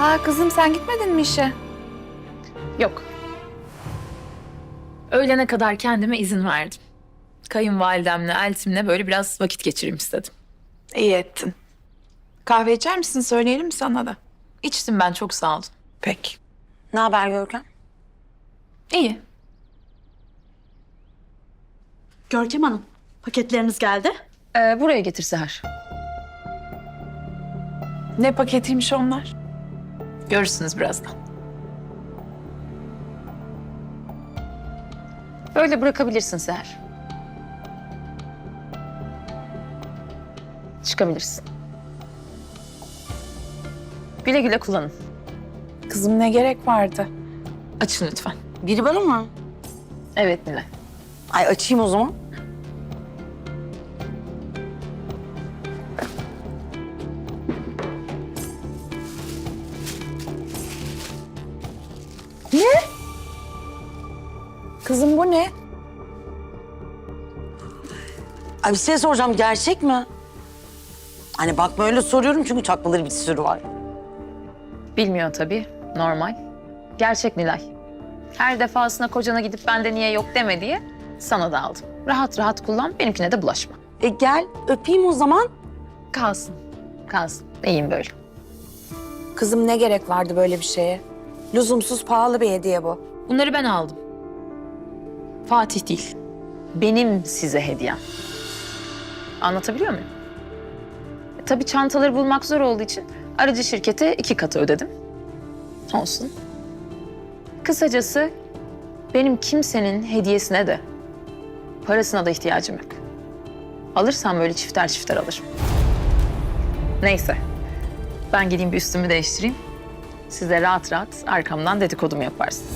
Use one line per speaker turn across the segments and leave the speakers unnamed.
Ha kızım sen gitmedin mi işe?
Yok. Öğlene kadar kendime izin verdim. Kayınvalidemle, eltimle böyle biraz vakit geçireyim istedim.
İyi ettin. Kahve içer misin? Söyleyelim mi sana da?
İçtim ben, çok sağ olun.
Peki.
Ne haber Görkem?
İyi.
Görkem Hanım, paketleriniz geldi.
Buraya getir Seher.
Ne paketiymiş onlar?
Görürsünüz birazdan. Böyle bırakabilirsin Seher. Çıkabilirsin. Güle güle kullanın.
Kızım ne gerek vardı?
Açın lütfen.
Biri bana mı?
Evet Nilay.
Ay açayım o zaman.
Kızım bu ne?
Ay bir şey soracağım, gerçek mi? Hani bakma öyle soruyorum çünkü çakmaları bir sürü var.
Bilmiyor tabii. Normal. Gerçek Nilay. Her defasında kocana gidip bende niye yok deme diye sana da aldım. Rahat rahat kullan, benimkine de bulaşma.
Gel öpeyim o zaman.
Kalsın. Kalsın. İyiyim böyle.
Kızım ne gerek vardı böyle bir şeye? Lüzumsuz pahalı bir hediye bu.
Bunları ben aldım. Fatih değil. Benim size hediyem. Anlatabiliyor muyum? Tabii çantaları bulmak zor olduğu için aracı şirkete 2 katı ödedim. Olsun. Kısacası benim kimsenin hediyesine de parasına da ihtiyacım yok. Alırsam böyle çifter çifter alırım. Neyse. Ben gideyim bir üstümü değiştireyim. Siz de rahat rahat arkamdan dedikodumu yaparsınız.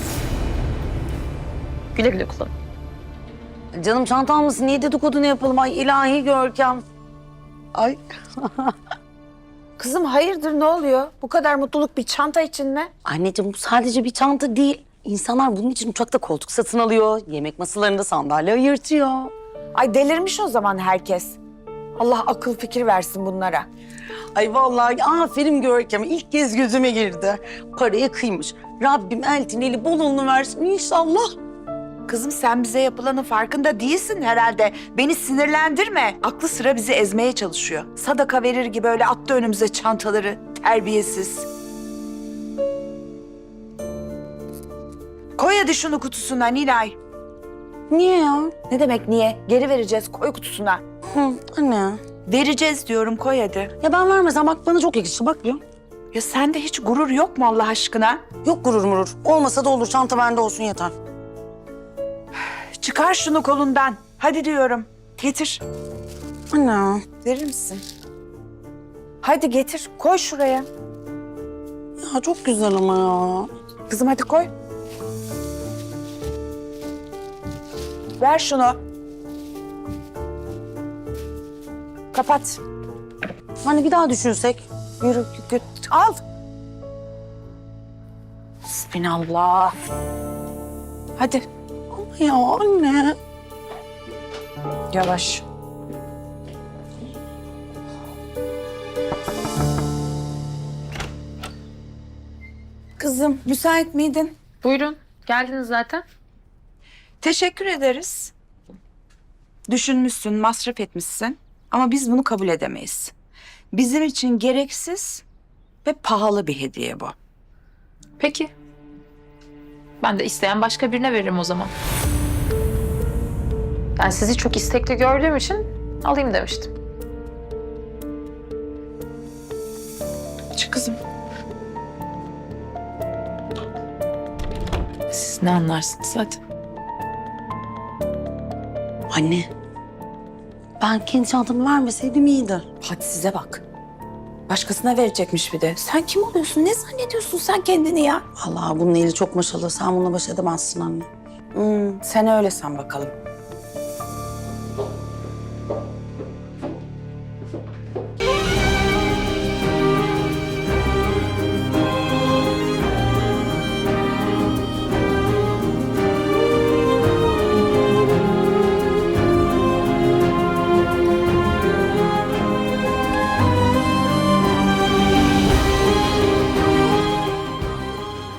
Güle güle kullanın.
Canım çantam mısın? Niye dedikodunu yapalım? Ay ilahi Görkem. Ay.
Kızım hayırdır ne oluyor? Bu kadar mutluluk bir çanta için mi?
Anneciğim bu sadece bir çanta değil. İnsanlar bunun için uçakta koltuk satın alıyor. Yemek masalarında sandalye ayırtıyor.
Ay delirmiş o zaman herkes. Allah akıl fikir versin bunlara.
Ay vallahi aferin Görkem. İlk kez gözüme girdi. Paraya kıymış. Rabbim eltin eli bolunu versin inşallah.
Kızım sen bize yapılanın farkında değilsin herhalde. Beni sinirlendirme. Aklı sıra bizi ezmeye çalışıyor. Sadaka verir gibi öyle attı önümüze çantaları. Terbiyesiz. Koy hadi şunu kutusuna Nilay.
Niye ya?
Ne demek niye? Geri vereceğiz koy kutusuna.
Hı, anne.
Vereceğiz diyorum koy hadi.
Ya ben vermesem bak bana çok yakıştı bak ya.
Ya sende hiç gurur yok mu Allah aşkına?
Yok gurur murur. Olmasa da olur. Çanta bende olsun yeter.
Çıkar şunu kolundan. Hadi diyorum. Getir.
Anne.
Verir misin? Hadi getir. Koy şuraya.
Ya çok güzel ama ya.
Kızım hadi koy. Ver şunu. Kapat.
Hani bir daha düşünsek.
Yürü git. Al. Bismillah. Hadi.
Ama ya anne.
Yavaş. Kızım müsait miydin?
Buyurun. Geldiniz zaten.
Teşekkür ederiz. Düşünmüşsün, masraf etmişsin. Ama biz bunu kabul edemeyiz. Bizim için gereksiz ve pahalı bir hediye bu.
Peki. Ben de isteyen başka birine veririm o zaman. Ben sizi çok istekli gördüğüm için alayım demiştim.
Çık kızım. Siz ne anlarsınız hadi.
Anne. Ben kendi çantamı vermeseydim iyiydi.
Hadi size bak. Başkasına verecekmiş bir de. Sen kim oluyorsun? Ne zannediyorsun sen kendini ya?
Allah bunun eli çok maşallah. Sen bununla baş edemezsin anne.
Sen öyle san bakalım.